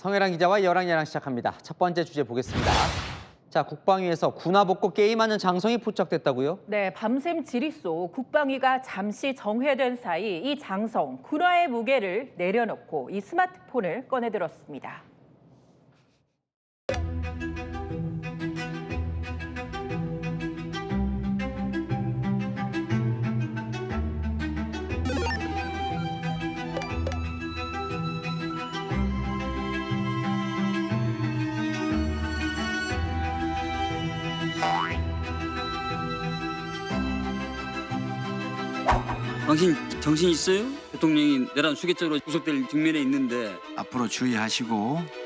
성혜랑 기자와 여랑야랑 시작합니다. 첫 번째 주제 보겠습니다. 자, 국방위에서 군화 벗고 게임하는 장성이 포착됐다고요? 네, 밤샘 지리소 국방위가 잠시 정회된 사이 이 장성, 군화의 무게를 내려놓고 이 스마트폰을 꺼내들었습니다. 당신 정신 있어요? 대통령이 내란 수괴죄로 구속될 직면에 있는데. 앞으로 주의하시고.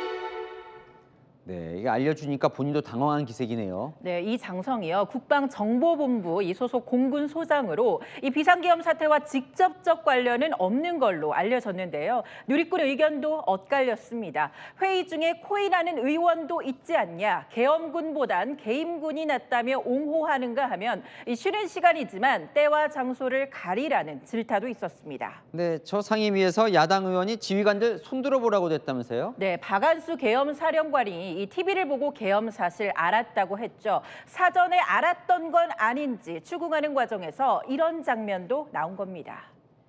네, 이게 알려주니까 본인도 당황한 기색이네요. 네, 이 장성이요. 국방정보본부 이 소속 공군 소장으로 이 비상계엄 사태와 직접적 관련은 없는 걸로 알려졌는데요. 누리꾼 의견도 엇갈렸습니다. 회의 중에 코인하는 의원도 있지 않냐, 계엄군보단 개임군이 낫다며 옹호하는가 하면 이 쉬는 시간이지만 때와 장소를 가리라는 질타도 있었습니다. 네, 저 상임위에서 야당 의원이 지휘관들 손들어 보라고 됐다면서요? 네, 박안수 계엄 사령관이 이 TV를 보고 계엄 사실 알았다고 했죠. 사전에 알았던 건 아닌지 추궁하는 과정에서 이런 장면도 나온 겁니다.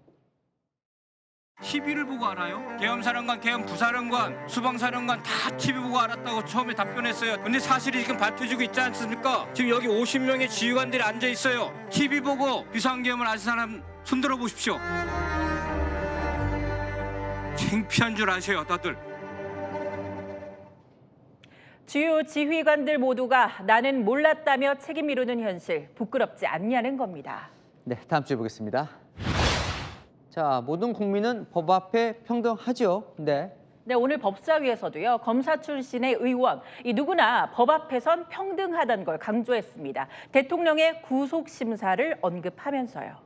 TV를 보고 알아요? 계엄사령관, 계엄부사령관, 수방사령관 다 TV 보고 알았다고 처음에 답변했어요. 근데 사실이 지금 밝혀지고 있지 않습니까? 지금 여기 50명의 지휘관들이 앉아 있어요. TV 보고 비상계엄을 아는 사람 손들어 보십시오. 창피한 줄 아세요, 다들. 주요 지휘관들 모두가 나는 몰랐다며 책임 미루는 현실, 부끄럽지 않냐는 겁니다. 네, 다음 주에 보겠습니다. 자, 모든 국민은 법 앞에 평등하죠. 네. 네, 오늘 법사위에서도요, 검사 출신의 의원, 이 누구나 법 앞에선 평등하다는 걸 강조했습니다. 대통령의 구속 심사를 언급하면서요.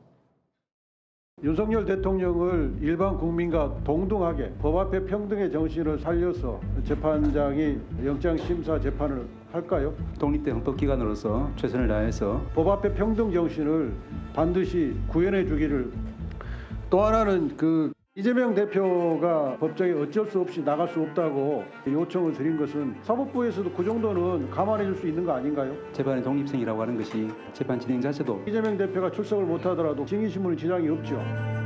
윤석열 대통령을 일반 국민과 동등하게 법 앞에 평등의 정신을 살려서 재판장이 영장심사 재판을 할까요? 독립된 헌법기관으로서 최선을 다해서 법 앞에 평등 정신을 반드시 구현해 주기를. 또 하나는 이재명 대표가 법정에 어쩔 수 없이 나갈 수 없다고 요청을 드린 것은 사법부에서도 그 정도는 감안해 줄 수 있는 거 아닌가요? 재판의 독립성이라고 하는 것이 재판 진행 자체도 이재명 대표가 출석을 못하더라도 증인신문에 지장이 없죠.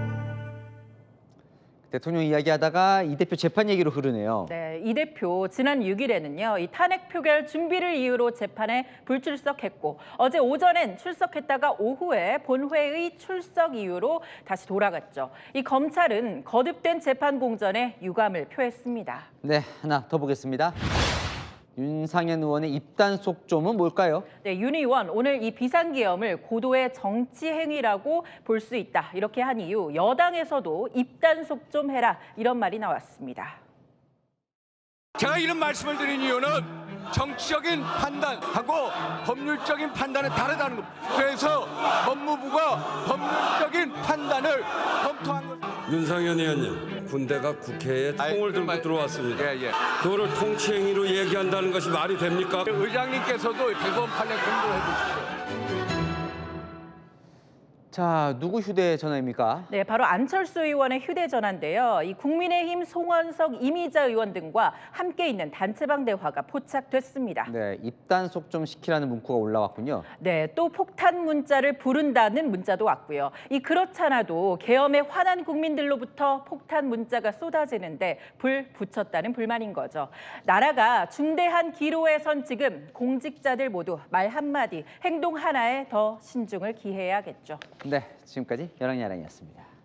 대통령 이야기하다가 이 대표 재판 얘기로 흐르네요. 네, 이 대표 지난 6일에는요, 이 탄핵 표결 준비를 이유로 재판에 불출석했고 어제 오전엔 출석했다가 오후에 본회의 출석 이유로 다시 돌아갔죠. 이 검찰은 거듭된 재판 공전에 유감을 표했습니다. 네, 하나 더 보겠습니다. 윤상현 의원의 입단 속점은 뭘까요? 네, 윤 의원 오늘 이 비상계엄을 고도의 정치 행위라고 볼 수 있다. 이렇게 한 이유 여당에서도 입단속 좀 해라 이런 말이 나왔습니다. 제가 이런 말씀을 드린 이유는 정치적인 판단하고 법률적인 판단은 다르다는 겁니다. 그래서 법무부가 법률적인 판단을 검토한 겁니다. 윤상현 의원님, 군대가 국회에 총을 들고 들어왔습니다. 그거를 통치행위로 얘기한다는 것이 말이 됩니까? 의장님께서도 대법원 판례 공부해 주십시오. 자, 누구 휴대전화입니까? 네, 바로 안철수 의원의 휴대전화인데요. 이 국민의힘 송원석, 이미자 의원 등과 함께 있는 단체방 대화가 포착됐습니다. 네, 입단 속점 시키라는 문구가 올라왔군요. 네, 또 폭탄 문자를 부른다는 문자도 왔고요. 이 그렇잖아도 계엄에 화난 국민들로부터 폭탄 문자가 쏟아지는데 불 붙였다는 불만인 거죠. 나라가 중대한 기로에 선 지금 공직자들 모두 말 한마디, 행동 하나에 더 신중을 기해야겠죠. 네, 지금까지 여랑야랑이었습니다.